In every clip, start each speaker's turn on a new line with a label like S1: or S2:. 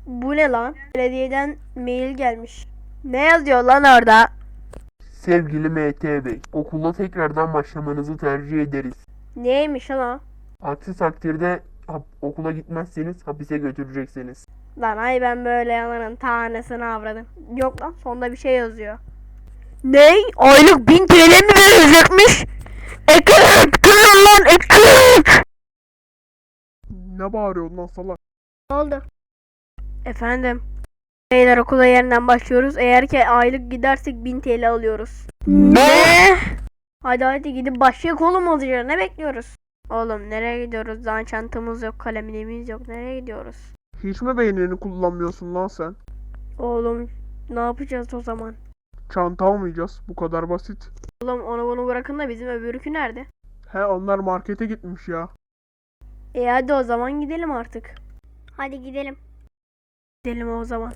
S1: Bu ne lan? Belediyeden mail gelmiş. Ne yazıyor lan orada?
S2: Sevgili MT Bey, okula tekrardan başlamanızı tercih ederiz.
S1: Neymiş lan o?
S2: Aksi takdirde okula gitmezseniz hapise götüreceksiniz.
S1: Lan ay ben böyle yalanın tanesini avradım. Yok lan sonunda bir şey yazıyor. Ney? Aylık 1000 TL mi verecekmiş? Ekip! Kırın lan ekip!
S2: Ne bağırıyorsun lan salak?
S1: Ne oldu? Efendim? Beyler okula yeniden başlıyoruz. Eğer ki aylık gidersek 1000 TL alıyoruz. Ne? Hadi gidip başlayalım oğlum olacak. Ne bekliyoruz? Oğlum nereye gidiyoruz? Daha çantamız yok, kalemliğimiz yok. Nereye gidiyoruz?
S3: Hiç mi beynini kullanmıyorsun lan sen?
S1: Oğlum ne yapacağız o zaman?
S3: Çanta almayacağız. Bu kadar basit.
S1: Oğlum onu bunu bırakın da bizim öbürkü nerede?
S3: He onlar markete gitmiş ya.
S1: Hadi o zaman gidelim artık. Hadi gidelim. Gidelim o zaman.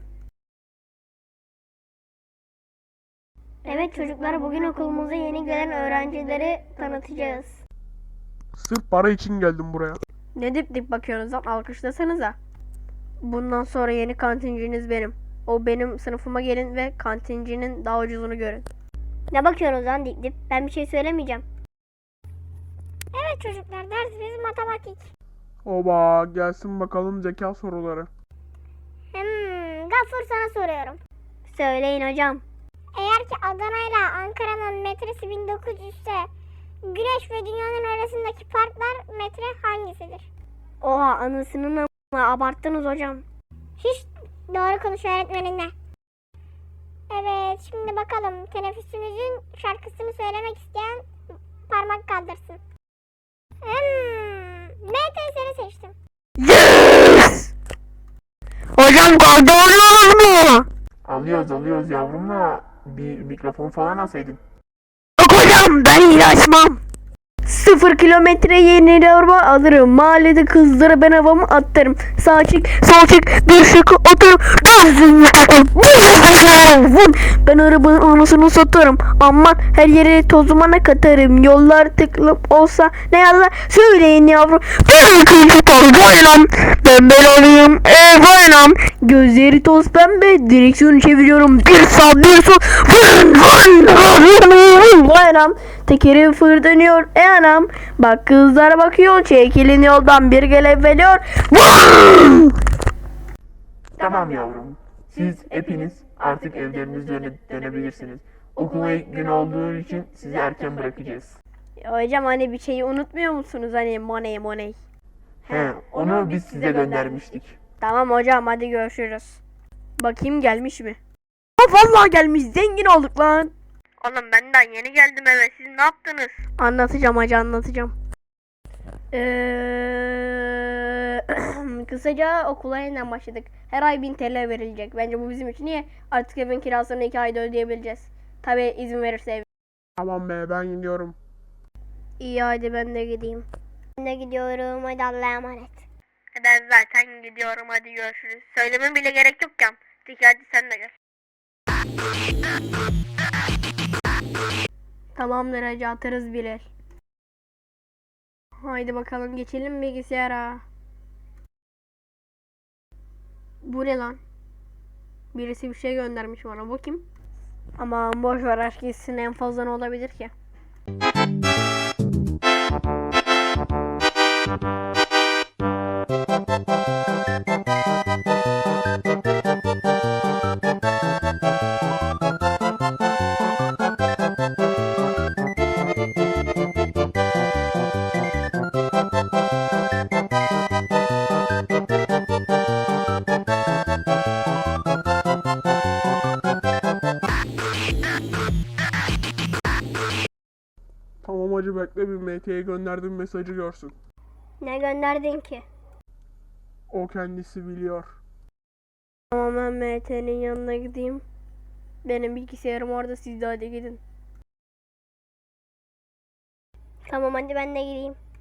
S1: Evet çocuklar, bugün okulumuza yeni gelen öğrencileri tanıtacağız.
S3: Sırf para için geldim buraya.
S1: Ne dip dip bakıyorsunuz lan, alkışlasanıza. Bundan sonra yeni kantinciniz benim. O benim sınıfıma gelin ve kantincinin daha ucuzunu görün.
S4: Ne bakıyorsunuz lan dip dip? Ben bir şey söylemeyeceğim. Evet çocuklar, dersimiz matematik.
S3: Oba gelsin bakalım zeka soruları.
S4: Gaffur sana soruyorum. Söyleyin hocam. Eğer ki Adana ile Ankara'nın metresi 1900 ise Güneş ve Dünya'nın arasındaki farklar metre hangisidir?
S1: Oha anasının ama abarttınız hocam.
S4: Hiç doğru konuş öğretmeninle. Evet şimdi bakalım, teneffüsümüzün şarkısını söylemek isteyen parmak kaldırsın. MTS'ni seçtim.
S1: Yes! Hocam kaldırıyoruz mu?
S2: Alıyoruz yavrum da bir mikrofon falan alsaydın.
S1: Yok hocam ben iyi açmam. 0 kilometre yeni araba alırım. Mahallede kızlara ben havamı attırım. Sağ çık, sol çık, bir şık oturum. Ben arabanın anasını satarım. Aman her yere tozumana katarım. Yollar tıklım olsa ne yalan söyleyin yavrum. Bir ikinci toz boynam. Ben alayım boynam. Gözleri toz pembe. Direksiyonu çeviriyorum. Bir sağ bir sol. Boynam. Tekeri fırlanıyor anam. Bak kızlar bakıyor. Çekilin yoldan bir gelebiliyor.
S2: Tamam yavrum. Siz hepiniz artık evlerinize dönebilirsiniz. Okula ilk gün olduğu için sizi erken bırakacağız.
S1: Hocam hani bir şeyi unutmuyor musunuz? Hani money.
S2: He, onu biz size göndermiştik.
S1: Tamam hocam hadi görüşürüz. Bakayım gelmiş mi? Ha vallahi gelmiş, zengin olduk lan. Oğlum benden yeni geldim eve, siz ne yaptınız? Anlatacağım hacı anlatacağım. Kısaca okula yeniden başladık. Her ay 1000 TL verilecek. Bence bu bizim için iyi. Artık evin kirasını 2 ayda ödeyebileceğiz. Tabi izin verirse ev.
S3: Tamam be ben gidiyorum.
S1: İyi hadi ben de gideyim.
S4: Ben de gidiyorum, hadi Allah'a emanet.
S1: Ben zaten gidiyorum, hadi görüşürüz. Söyleme bile gerek yok ya. Hadi sen de gel. Tamamdır hacı, atarız birer. Haydi bakalım geçelim bilgisayara. Bu ne lan? Birisi bir şey göndermiş bana, bakayım. Aman boş ver, aşk gitsin, en fazla ne olabilir ki?
S3: Tamam hacı bekle bir MT'ye gönderdiğim mesajı görsün.
S4: Ne gönderdin ki?
S3: O kendisi biliyor.
S1: Tamam ben MT'nin yanına gideyim. Benim bilgisayarım orada, siz de hadi gidin.
S4: Tamam hadi ben de gideyim.